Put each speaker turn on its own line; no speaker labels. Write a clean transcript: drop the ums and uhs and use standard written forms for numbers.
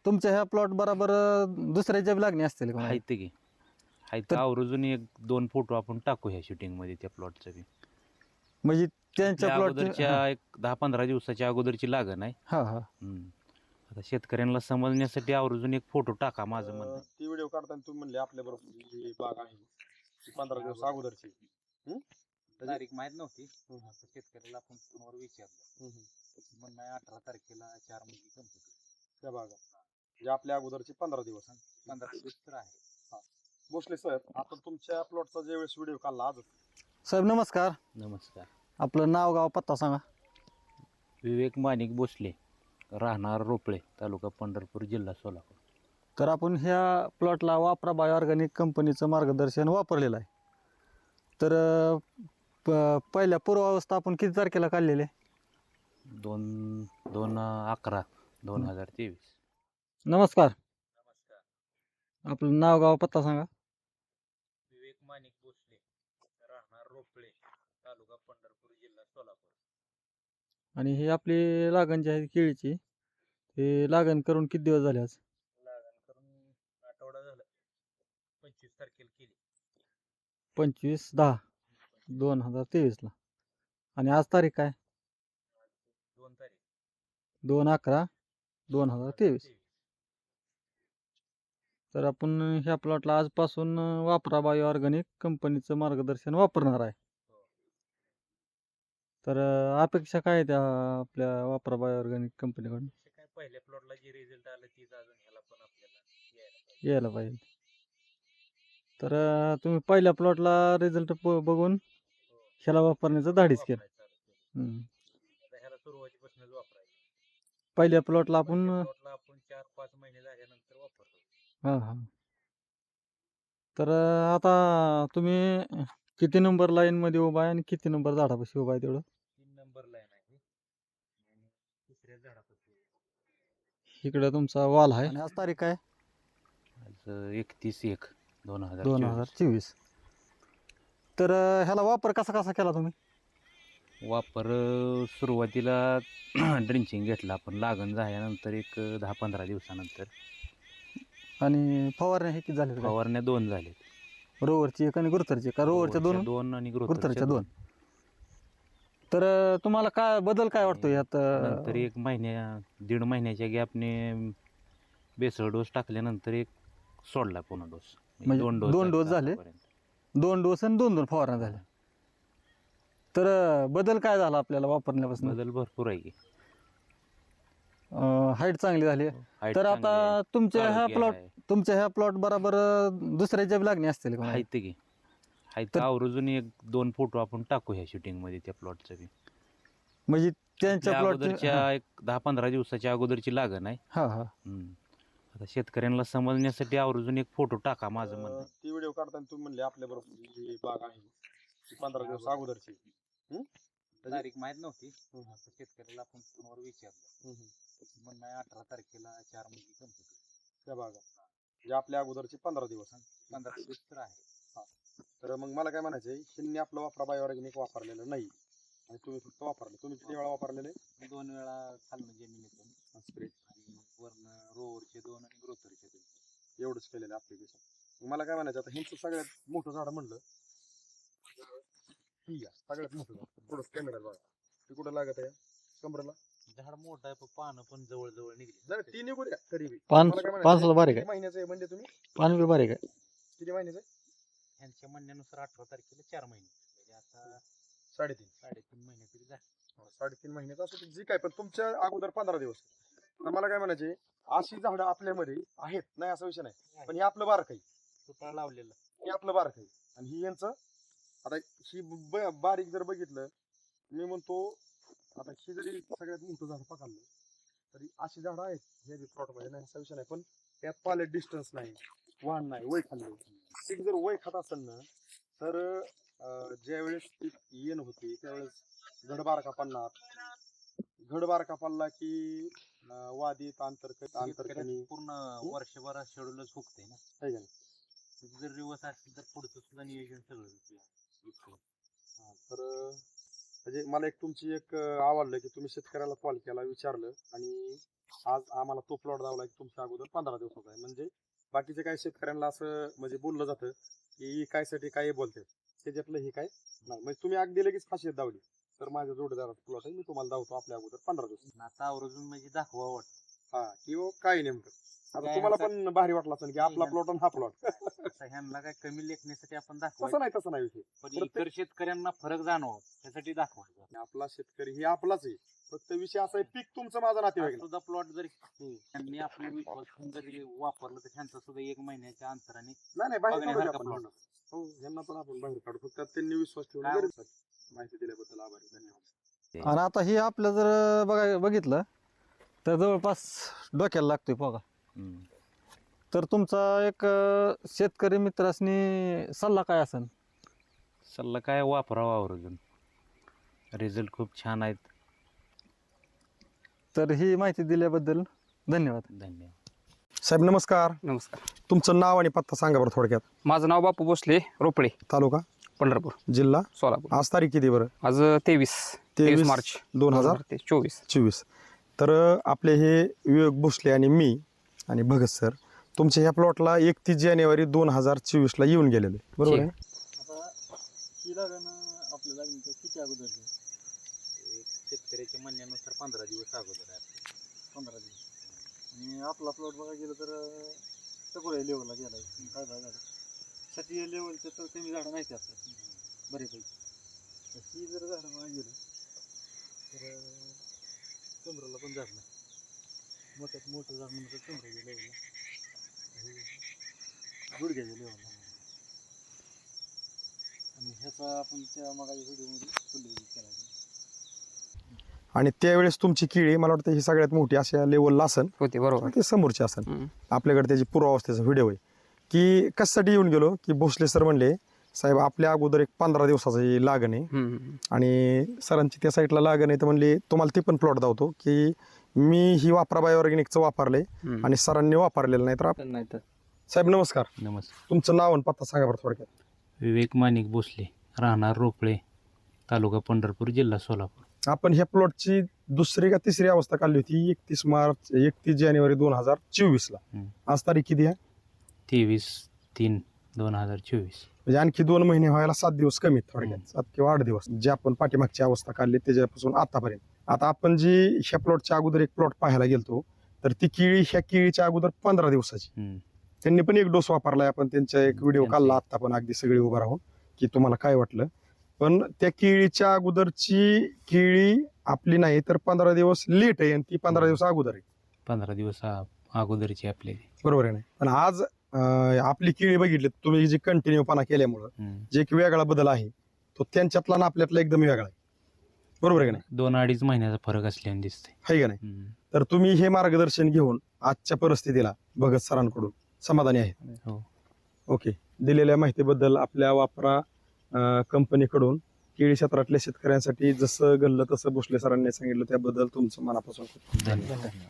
तुमच्या ह्या प्लॉट बरोबर दुसऱ्याच्या बी लागणी असतील का?
आहेत की आहेत
तर-
आवर्जून 1-2 फोटो आपण टाकू ह्या शूटिंग मध्ये त्या प्लॉटचं बी.
म्हणजे त्यांच्या
आपल्या
प्लॉट
अगोदरच्या एक 10-15 दिवसाच्या अगोदरची लागण आहे.
हा हा
आता शेतकऱ्यांना समजण्यासाठी आवर्जून एक फोटो टाका माझं म्हणणं आहे.
ती व्हिडिओ काढताना तुम्ही म्हणले आपल्या बरोबर जी बाग आहे ती 15 दिवस अगोदरची.
तारीख माहित नव्हती. शेतकऱ्याला आपण फोनवर विचारलं. म्हणणं 18 तारखेला 4 महिने कंप्लीट
त्या बागा म्हणजे आपल्या अगोदरची 15 दिवस.
15 दिवस तर आहे.
भोसले सर, आपण तुमच्या प्लॉटचा ज्यावेळेस व्हिडिओ काढला आज
साहेब नमस्कार.
नमस्कार.
आपलं नाव गाव पत्ता सांगा.
विवेक माणिक भोसले, राहणार रोपळे, तालुका पंढरपूर, जिल्हा सोलापूर.
तर आपण ह्या प्लॉटला वापरा बायो ऑर्गॅनिक कंपनीचं मार्गदर्शन वापरलेलं आहे. तर पहिल्या पूर्वावस्था आपण किती तारखेला काढलेले?
2/11/2023.
नमस्कार.
नमस्कार.
आपलं नाव गाव पत्ता सांगा.
विवेक माणिक भोसले, राहणार रोपळे, तालुका पंढरपूर, जिल्हा सोलापूर.
आणि ही आपली लागण जी आहे केळीची, हे लागण करून किती दिवस झाले आज?
लागण करून आठवडा झाला. 25 तारखेला केली.
25/10/2023 आणि आज तारीख काय?
2 तारीख
2/11/2023. तर आपण ह्या प्लॉटला आजपासून वापरा बायो ऑर्गॅनिक कंपनीचं मार्गदर्शन वापरणार आहे. तर अपेक्षा काय आहे त्या आपल्या वापरा बायो ऑर्गॅनिक कंपनीकडून?
काय पहिल्या प्लॉटला जे रिझल्ट आलं तीच अजून ह्याला पण आपल्याला
यायला पाहिजे. तर तुम्ही पहिल्या प्लॉटला रिझल्ट बघून ह्याला वापरण्याचं धाडस केलं.
ह्याला सुरुवातीपासूनच वापरायचं.
पहिल्या प्लॉटला आपण
4-5 महिने झाल्यानंतर वापरतो.
हां हां. तर आता तुम्ही किती नंबर लाईन मध्ये उभा आहे आणि किती नंबर झाडापाशी उभा आहे तेवढं?
3 नंबर लाईन आहे आणि तिसऱ्या झाडापासून.
इकडे तुमचा वॉल आहे आणि आज तारीख काय?
आज 31/1/2024.
2024. तर ह्याला वापर कसा कसा केला तुम्ही?
वापर सुरुवातीला ड्रिंचिंग घेतलं आपण लागण झाल्यानंतर एक 10-15 दिवसानंतर.
आणि फवारण्या हे किती झाले?
फवारण्या 2 झाले.
रोवरची एक आणि गुरुथरची का? रोवरच्या 2
आणि
गुरुथरच्या 2. तर तुम्हाला काय बदल काय वाटतो यात?
नंतर 1 महिन्याच्या गॅपने बेसळ डोस टाकल्यानंतर एक सोडला पुन्हा डोस.
म्हणजे 2 डोस झाले. 2 डोस आणि 2 फवारण्या झाल्या. तर बदल काय झाला आपल्याला वापरण्यापासून?
बदल भरपूर आहे की.
हाईट चांगली झाली. तर आता तुमच्या ह्या प्लॉट बरोबर दुसऱ्याच्या बी लागणी असतील का?
आहेत की आहेत आवर्जून 1-2 फोटो आपण टाकू ह्या शूटिंग मध्ये त्या प्लॉटचं बी.
म्हणजे त्यांच्या
अगोदरच्या एक 10-15 दिवसाच्या अगोदरची लागण आहे.
हा हा.
आता शेतकऱ्यांना समजण्यासाठी आवर्जून एक फोटो टाका माझं म्हणणं आहे.
ती व्हिडिओ काढताना तुम्ही म्हणले आपल्या बरोबर जी बाग आहे ती 15 दिवस अगोदरची.
तारीख माहित नव्हती. शेतकऱ्याला आपण फोनवर विचारलं. म्हणणं 18 तारखेला 4 महिने कंप्लीट
त्या बागा म्हणजे आपल्या अगोदरची 15 दिवस.
15 दिवस तर आहे.
तर मग मला काय म्हणायचंय, शिन्ने आपलं वापरा बायो ऑर्गॅनिक वापरलेलं नाही आणि तुम्ही फक्त वापरले. तुम्ही किती वेळा वापरलेले?
2 वेळा खालनं जमिनीतून
स्प्रे
आणि वरनं रोवरचे 2 आणि ग्रोथरचे 2.
एवढंच केलेलं ऍप्लिकेशन. मला काय म्हणायचं, आता ह्यांचं सगळ्यात मोठं झाड म्हणलं ठीक आहे, सगळ्यात मोठं झाड थोडं कॅमेरा बघा ते कुठं लागत आहे कमरेला.
झाड मोठं आहे पण पानं पण जवळ निघली.
जरा ती निघू द्या तरी बी.
पान
मला काय म्हणायचं,
पानसुद्धा बारीक
किती
आहे.
महिन्याचं आहे म्हणजे तुम्ही?
पान बी बारीक आहे.
किती महिन्याचं आहे?
ह्यांच्या म्हणण्यानुसार 18 तारखेला 4 महिने म्हणजे आता
3.5
महिने तरी झाले.
3.5 महिन्याचं असं जे काय, पण तुमच्या अगोदर 15 दिवस. तर मला काय म्हणायचे, अशी झाडं आपल्यामध्ये आहेत नाही असा विषय नाही, पण हे आपलं बारक आहे.
तुटाळ लावलेलं
हे आपलं बारक आहे आणि ही यांचं. आता ही बारीक जर बघितलं मी म्हणतो, आता ही जरी सगळ्यात मोठं झाड पकडलं तरी अशी झाडं आहेत हे प्लॉट मध्ये नाही असा विषय नाही, पण त्यात पाले डिस्टन्स नाही, वाहन नाही, वय खाल्लं. पीक जर वय खात असेल ना तर ज्यावेळेस पीक येण होते त्यावेळेस घडबार कापडला की वादीत आंतरकणी
पूर्ण वर्षभर शेड्यूलच फुकते ना.
आहे का नाही?
जर रिवर्स असेल तर पुढचं सुद्धा नियोजन सगळं.
तर म्हणजे मला एक तुमची एक आवडलं की तुम्ही शेतकऱ्याला कॉल केला, विचारलं आणि आज आम्हाला तो प्लॉट दावला की तुमच्या अगोदर 15 दिवसाचा आहे. म्हणजे बाकीचे काही शेतकऱ्यांना असं म्हणजे बोललं जातं की काय साठी काय बोलते, त्याच्यातलं हे काय नाही. म्हणजे तुम्ही अगदी लगेच खासियत दावली, तर माझ्या जोडीदाराचा प्लॉट आहे, मी तुम्हाला दावतो आपल्या अगोदर 15 दिवस.
आता आवर्जून म्हणजे दाखवा वाटत
हा किंवा काय नेमकं आता
काय
तुम्हाला
आता-
पण भारी वाटलं असेल की आपला
नाही,
प्लॉट आणि हा प्लॉट.
ह्यांना काय कमी लेखण्यासाठी आपण
तसं
दाखवायचं
नाही विषय.
पण
प्रत्येक-
इतर शेतकऱ्यांना फरक जाणव त्यासाठी दाखवायचं.
आपला शेतकरी हे आपलाच आहे, फक्त विषय असा आहे पीक तुमचं माझं नातेवाईक
आज सुद्धा प्लॉट जरी त्यांनी आपले विश्वास ठेवून जरी वापरलं तर त्यांचा सुद्धा 1 महिन्याच्या अंतराने
नाही बाहेर काढू
बघण्यासारखा
आपण.
plot.
हो यांना पण आपण बाहेर काढू, फक्त त्यांनी विश्वास ठेवला.
काय
गरजेचं आहे. माहिती दिल्याबद्दल आभारी, धन्यवाद.
आणि आता हे आपलं जर बघितलं तर जवळपास डोक्याला लागतोय बघा. तर तुमचा एक शेतकरी मित्रासनी सल्ला काय असेल?
सल्ला काय वापरावा आवर्जून, रिझल्ट खूप छान आहेत.
तर ही माहिती दिल्याबद्दल धन्यवाद.
धन्यवाद.
साहेब नमस्कार.
नमस्कार.
तुमचं नाव आणि पत्ता सांगा बरं थोडक्यात.
माझं नाव बापू भोसले, रोपडे,
तालुका
पंढरपूर,
जिल्हा
सोलापूर.
आज तारीख किती बरं?
आज 23 मार्च
2024. तर आपले हे विवेक भोसले आणि मी आणि भगत सर तुमच्या ह्या प्लॉटला 31 जानेवारी 2024 ला येऊन गेलेले, बरोबर आहे?
आता ही लागण आपल्या लागणीच्या किती अगोदर?
शेतकऱ्याच्या म्हणण्यानुसार 15 दिवस अगोदर आहे.
15 दिवस. आणि आपला प्लॉट बघा गेलं तर सगळ्या लेवलला गेला काय झालं साठी लेवलचं तर कमी झाडं नाही असतात बरेपैकी. तर ही जर झाडं बघा गेलं तर कमरेला पण झाड नाही, मोठ्यात मोठं झाड म्हणून तर कमरेच्या लेवलला गुडघ्याच्या लेवलला. आणि ह्याचा आपण त्या मागाच्या व्हिडिओमध्ये उल्लेख केला.
आणि त्यावेळेस तुमची केळी मला वाटतं ही सगळ्यात मोठी अशा लेवलला असन,
होते, बरोबर.
ते समोरची असन. आपल्याकडे त्याची पूर्वावस्थेचा व्हिडिओ आहे की कशासाठी येऊन गेलो की भोसले सर म्हणले साहेब आपल्या अगोदर एक 15 दिवसाची लागण आहे आणि सरांची त्या साईडला लागण आहे, तर म्हणले तुम्हाला ते पण प्लॉट दावतो की मी ही वापरा बायोऑर्गॅनिकचं वापरले आणि सरांनी वापरलेलं नाही. तर
नाही तर
साहेब नमस्कार.
नमस्कार.
तुमचं नाव आणि पत्ता सांगा बरं थोडक्यात.
विवेक माणिक भोसले, राहणार रोपळे, तालुका पंढरपूर, जिल्हा सोलापूर.
आपण ह्या प्लॉटची दुसरी का तिसरी अवस्था काढली होती 31 जानेवारी 2024 ला. आज तारीख किती आहे?
23/3/2024.
म्हणजे आणखी 2 महिने व्हायला 7 दिवस कमी आहेत थोडक्यात, 7 किंवा 8 दिवस जे आपण पाठीमागची अवस्था काढली त्याच्यापासून आतापर्यंत. आता आपण जी ह्या प्लॉटच्या अगोदर एक प्लॉट पाहायला गेलतो तर ती केळी ह्या केळीच्या अगोदर 15 दिवसाची. त्यांनी पण एक डोस वापरलाय, आपण त्यांचा एक व्हिडिओ काढला आता पण अगदी सगळी उभं राहून की तुम्हाला काय वाटलं. पण त्या केळीच्या अगोदरची केळी आपली नाही तर 15 दिवस लेट आहे आणि ती 15 दिवस अगोदर आहे.
15 दिवस अगोदरची आपली.
बरोबर आहे. नाही पण आज आपली केळी बघितली तुम्ही जी कंटिन्यूपणा केल्यामुळं जे एक वेगळा बदल आहे तो त्यांच्यातला आणि आपल्यातला एकदम वेगळा आहे. बरोबर आहे का नाही?
2-2.5 महिन्याचा फरक असल्याने दिसते.
आहे का नाही? तर तुम्ही हे मार्गदर्शन घेऊन आजच्या परिस्थितीला भगत सरांकडून समाधानी आहे?
हो.
ओके. दिलेल्या माहितीबद्दल आपल्या वापरा कंपनीकडून केळी क्षेत्रातल्या शेतकऱ्यांसाठी जसं घडलं तसं भोसले सरांनी सांगितलं त्याबद्दल तुमचं मनापासून
धन्यवाद.